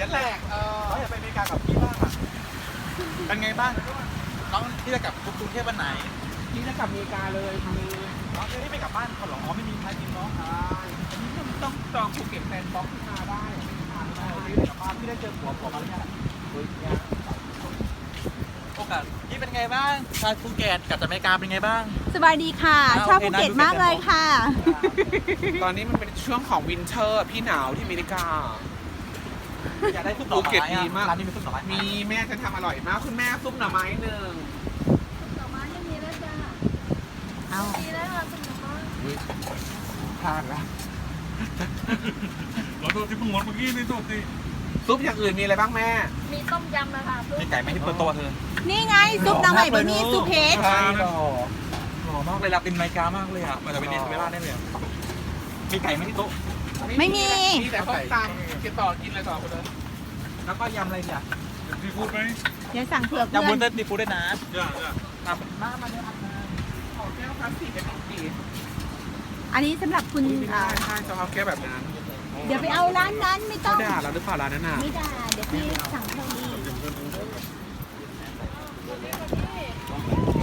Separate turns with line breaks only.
กันแหละเราอยากไปอเมริกากับพี่บ้างอ่ะเป็นไงบ้างน้องที่จะกลับกรุงเทพวันไหน
พี่จะกลับอเมริกาเลยทำไม
น้องจะได้ไปกลับบ้านเขาหรออ๋อไม่มีใครกินเนาะ
อันนี้ต้องจองภูเก็ตแฟนบ็อกซ์ขึ้นมาได้ไม่ได้
พี่ได้กลับบ้านพี่ได้เจอผัวมาแล้วเนี่ยโอกาสนี่เป็นไงบ้างชาวภูเก็ตกลับจากอเมริกาเป็นไงบ้าง
สบายดีค่ะ ชอบภูเก็ตมากเลยค่ะ
ตอนนี้มันเป็นช่วงของวินเทอร์พี่หนาวที่อเมริกา
อยากได้ซุปหน่อ
ภูเก็ต
ไม้
ดีมาก
ร้านนี้มีซุปหน่อไม้
มีแม่จะทำอร่อยมากคุณแม่ซุปหน่อไม้หนึ่ง
หน่อไม้ยังมีแล้วจ้ะ
เอา
มีแล้วค่ะคุณหน่อไม้
พลาดละ
เราตัวที่เพิ่งหมดเมื่อกี้นี่ตัวสิ
ซุปอย่างอื่นมีอะไรบ้างแม่
มีต้มยำนะคะ
มีไก่ไหมที่เปิดตัวเธอ
นี่ไงซุปน้ำใหม่บะหมี่ซุปเพชร
ใช่หรอ
หล่อมากเลยรับเป็นอเมริกามากเลยอ่ะมาจากเวเนซุเอลาได้เลยอะมีไก่ไหมที่โต๊ะ
ไม่มี
มีแต่ข้าวตังกินต่อกินอะไรต่อคุณเลย
แล้วก็ยำอะไรเนี่ย
ที่พูดไหม
เดี๋ยวสั่งเผื่อเพื่
ยำวุ้
อน น
เส้นซีฟู้ดด้วยนะ
จ้าจ้า
ทำมาเนี่ยทำมา
ขอแก้วพลาสติกเป็นสี
อันนี้สำหรับคุณ
ใช่ใช่จะเอาแก้วแบบนั้น
เดี๋ยวไปเอาร้านนั้นไม่ต้
เขา
อง
ด่าเราหรือเปล่าร้านนั้นน่ะ
ไม่ได้เดี๋ยวพี่สั่งเพิ่มอีก